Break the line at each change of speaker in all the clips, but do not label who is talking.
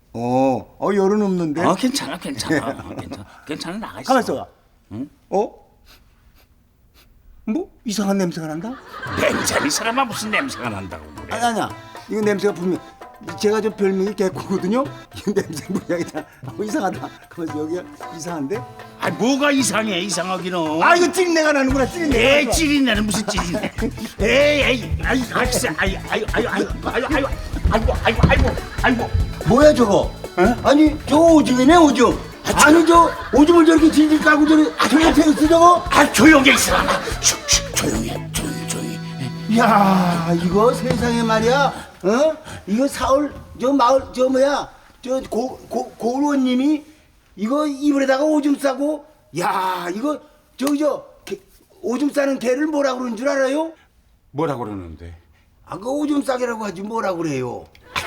열은 없는데.
괜찮아. 괜찮아 나가 있어.
가만 있어봐. 응? 뭐 이상한 냄새가 난다?
냄새 이 사람아 무슨 냄새가 난다고 그래?
아니야. 이거 냄새가 분명. 제가 저 별명이 개코거든요. 이 냄새 분명히 다 이상하다. 가만있어 여기가 이상한데?
뭐가 이상해 이상하기는.
이거 찌린내가 나는구나. 찌린내.
에이 찌린내는 무슨 찌린내? 에이 아이고.
뭐야 저거? 아니 저거 오줌이네 오줌. 아니 저 오줌을 저렇게 질질 까고 저 옆에 있어 저거?
조용히 있으라. 조용히.
야 이거 세상에 말이야. 이거 사올 저 마을 저 뭐야 저 고을원님이 이거 이불에다가 오줌 싸고 야 이거 저기 오줌 싸는 개를 뭐라 그러는 줄 알아요?
뭐라 그러는데?
그 오줌 싸개라고 하지 뭐라 그래요?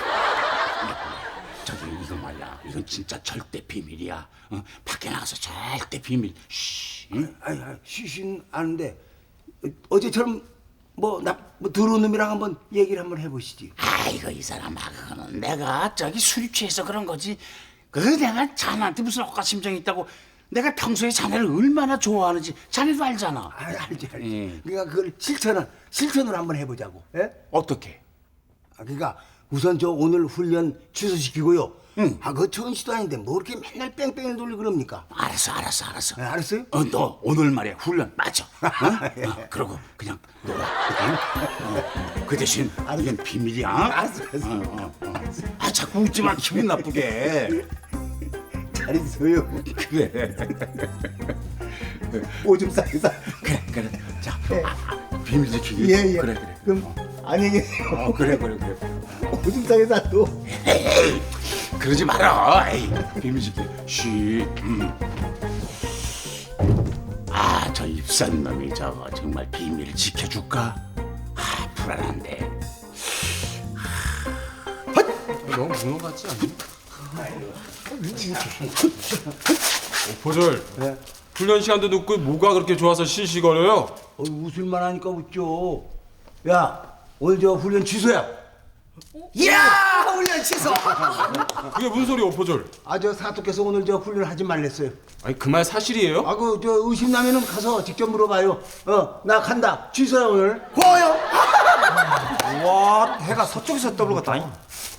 저기 이거 말이야. 이건 진짜 절대 비밀이야. 밖에 나가서 절대 비밀. 쉬. 응?
쉬신 아는데 어제처럼 뭐 더러운 놈이랑 한번 얘기를 한번 해보시지.
아이고 이 사람아 그거는 내가 저기 술이 취해서 그런 거지. 내가 자네한테 무슨 억가심정이 있다고. 내가 평소에 자네를 얼마나 좋아하는지 자네도 알잖아.
알지. 그러니까 그걸 실천으로 한번 해보자고. 예?
어떻게?
그러니까 우선 저 오늘 훈련 취소시키고요. 그거 좋은 시도 아닌데 뭐 이렇게 맨날 뺑뺑을 돌리고 그럽니까?
알았어.
알았어요?
너 오늘 말이야 훈련 맞아. 그러고 그냥 놀아. 그 대신 이건 비밀이야.
알았어.
자꾸 웃지 마. 기분 나쁘게.
잘 있어요.
그래.
오줌 싸게 싸.
그래. 자, 비밀 지키기.
예.
그래.
그럼 안녕히 계세요.
그래.
오줌 싸게 싸도.
에이, 그러지 마라. 에이, 비밀 지키. 쉬. 저 입산 놈이 저거 정말 비밀을 지켜줄까? 불안한데.
너무 무능 같지 않니? 오포졸.
네?
훈련 시간도 늦고 뭐가 그렇게 좋아서 실시거려요?
웃을만 하니까 웃죠. 야, 오늘 저 훈련 취소야.
야 훈련 취소.
그게 무슨 소리야 오포졸?
저 사또께서 오늘 저 훈련 하지 말랬어요.
아니 그 말 사실이에요?
저 의심 나면은 가서 직접 물어봐요. 나 간다. 취소야 오늘.
고요. 와 해가 서쪽에서 떠오르겠다.